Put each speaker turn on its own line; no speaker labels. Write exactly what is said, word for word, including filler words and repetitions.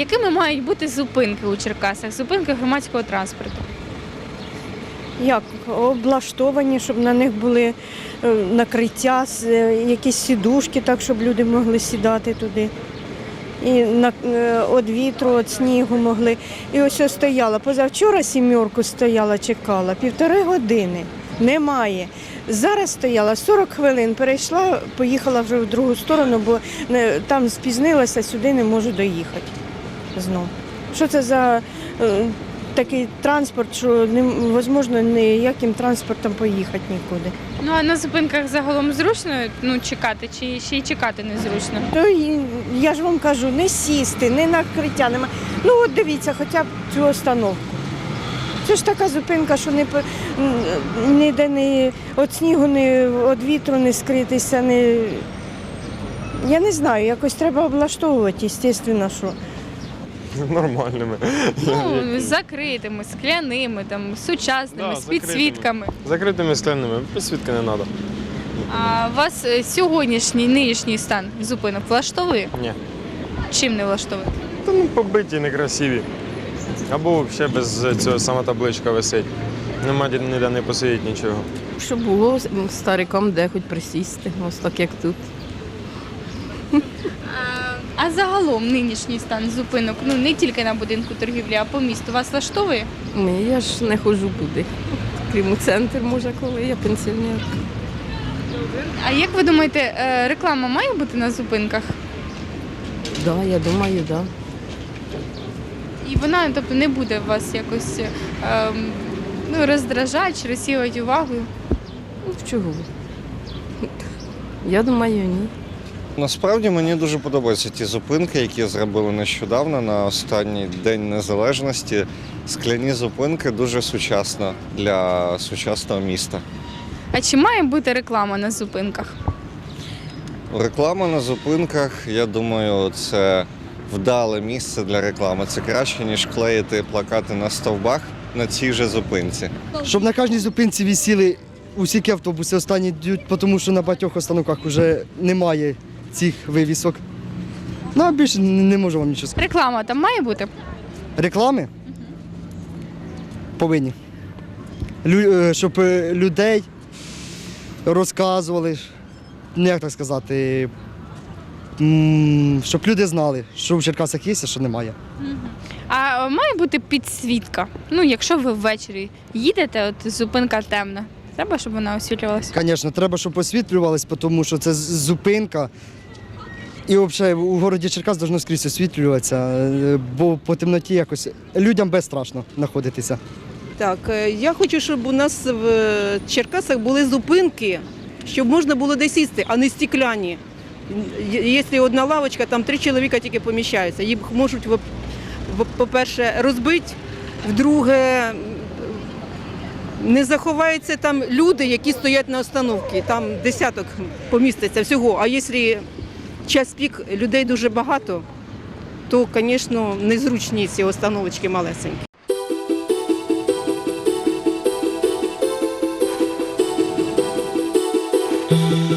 якими мають бути зупинки у Черкасах, зупинки громадського транспорту?
Як облаштовані, щоб на них були е, накриття, с- е, якісь сідушки, так, щоб люди могли сідати туди. І на, е, від вітру, від снігу могли. І ось я стояла. Позавчора сімерку стояла, чекала, півтори години. Немає. Зараз стояла сорок хвилин, перейшла, поїхала вже в другу сторону, бо не, там спізнилася, сюди не можу доїхати знов. Що це за е, такий транспорт, що невозможно ніяким транспортом поїхати нікуди.
Ну а на зупинках загалом зручно ну, чекати, чи ще й чекати незручно?
То й- я ж вам кажу, не сісти, не накриття, нема. Ну от дивіться, хоча б цю остановку. Це ж така зупинка, що не по- м, ніде не від снігу, не від вітру не скритися. Не... Я не знаю, якось треба облаштовувати, звісно, що.
Нормальними.
Ну, з закритими, скляними, там, сучасними,
Да,
з
закритими.
підсвітками.
Закритими скляними, підсвітки не треба.
А вас е, сьогоднішній, нинішній стан зупинок влаштовує?
Ні.
Чим не влаштовує?
Та ну побиті, некрасиві. Або взагалі без цього сама табличка висить. Нема ді- ніде не посидіти нічого.
Щоб було старикам де хоч присісти, ось так як тут.
А загалом нинішній стан зупинок, ну не тільки на будинку торгівлі, а по місту вас влаштовує?
Ні, я ж не ходжу куди. Крім у центр, може, коли я пенсіонерка.
А як ви думаєте, е, реклама має бути на зупинках?
Так, да, я думаю, так. Да.
І вона, тобто, не буде вас якось ем, ну, роздражати чи розсіювати увагою?
Ну, чого? Я думаю, ні.
Насправді мені дуже подобаються ті зупинки, які зробили нещодавно на останній День Незалежності. Скляні зупинки дуже сучасно для сучасного міста.
А чи має бути реклама на зупинках?
Реклама на зупинках, я думаю, це вдале місце для реклами. Це краще, ніж клеїти плакати на стовбах на цій же зупинці.
Щоб на кожній зупинці висіли усі автобуси останні йдуть, тому що на багатьох остановках вже немає цих вивісок. Ну, а більше не можу вам нічого сказати.
Реклама там має бути?
Реклами повинні. Лю- е, щоб е, людей розказували, ну, як так сказати, м, щоб люди знали, що в Черкасах є, а що немає.
А має бути підсвітка? Ну, якщо ви ввечері їдете, от зупинка темна. Треба, щоб вона освітлювалася?
Звісно, треба, щоб освітлювалось, тому що це з- зупинка. І взагалі у городі Черкас повинно скрізь освітлюватися, е, бо по темноті якось людям безстрашно знаходитися.
Так, е, я хочу, щоб у нас в е, Черкасах були зупинки, щоб можна було де сісти, а не стекляні. Є- Якщо одна лавочка, там три чоловіка тільки поміщаються. Їх можуть, в- в- по-перше, розбити, в-друге, не заховаються там люди, які стоять на остановці. Там десяток поміститься всього. А якщо час пік людей дуже багато, то, звісно, незручні ці остановочки малесенькі.
Thank you.